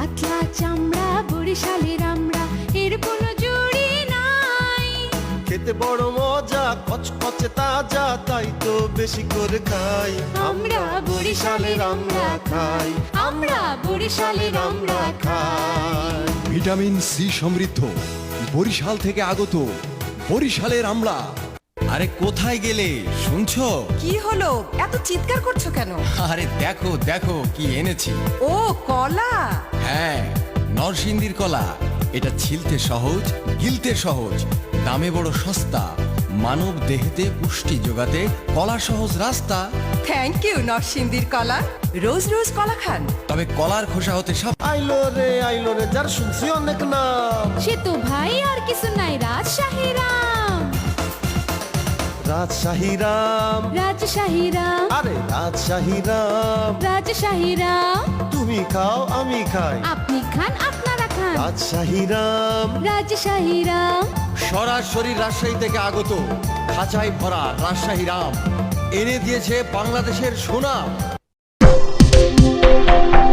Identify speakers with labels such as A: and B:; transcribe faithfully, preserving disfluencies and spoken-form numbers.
A: পাতলা চামড়া বরিশালের আমরা, এর কোনো জুড়ি নাই।
B: খেতে বড় মজা, কচকচে তাজা, তাই তো বেশি করে খাই।
A: আমরা বরিশালের আমরা খাই, আমরা বরিশালের আমরা খাই।
C: ভিটামিন সি সমৃদ্ধ বরিশাল থেকে আগত বরিশালের আমলা।
D: আরে কোথায় গেলে শুনছো?
E: কি হলো, এত চিৎকার করছো কেন?
D: আরে দেখো দেখো কি এনেছি।
E: ও কলা।
D: হ্যাঁ, নরসিংদীর কলা। এটা ছিলতে সহজ, গিলতে সহজ, দামে বড় সস্তা, মানব দেহেতে পুষ্টি যোগাতে কলা সহজ রাস্তা।
E: থ্যাংক ইউ নরসিংদীর কলা। রোজ রোজ কলা খান।
D: তবে কলার খোসা হতে সব।
B: আইলো রে আইলো রে, যার শুনছি অনেক নাম।
A: সে তো ভাই আর কিছু নাই, রাজশাহী রাম,
B: রাজশাহী রাম,
A: রাজশাহী রাম,
B: আরে রাজশাহী রাম।
A: রাজশাহী রাম।
B: তুমি খাও আমি খাই,
A: আপনি খান আপনারা খান,
B: রাজশাহী রাম।
A: রাজশাহী রাম।
D: সরাসরি রাজশাহী থেকে আগত, খাঁচায় ভরা রাজশাহী রাম এনে দিয়েছে বাংলাদেশের সুনাম।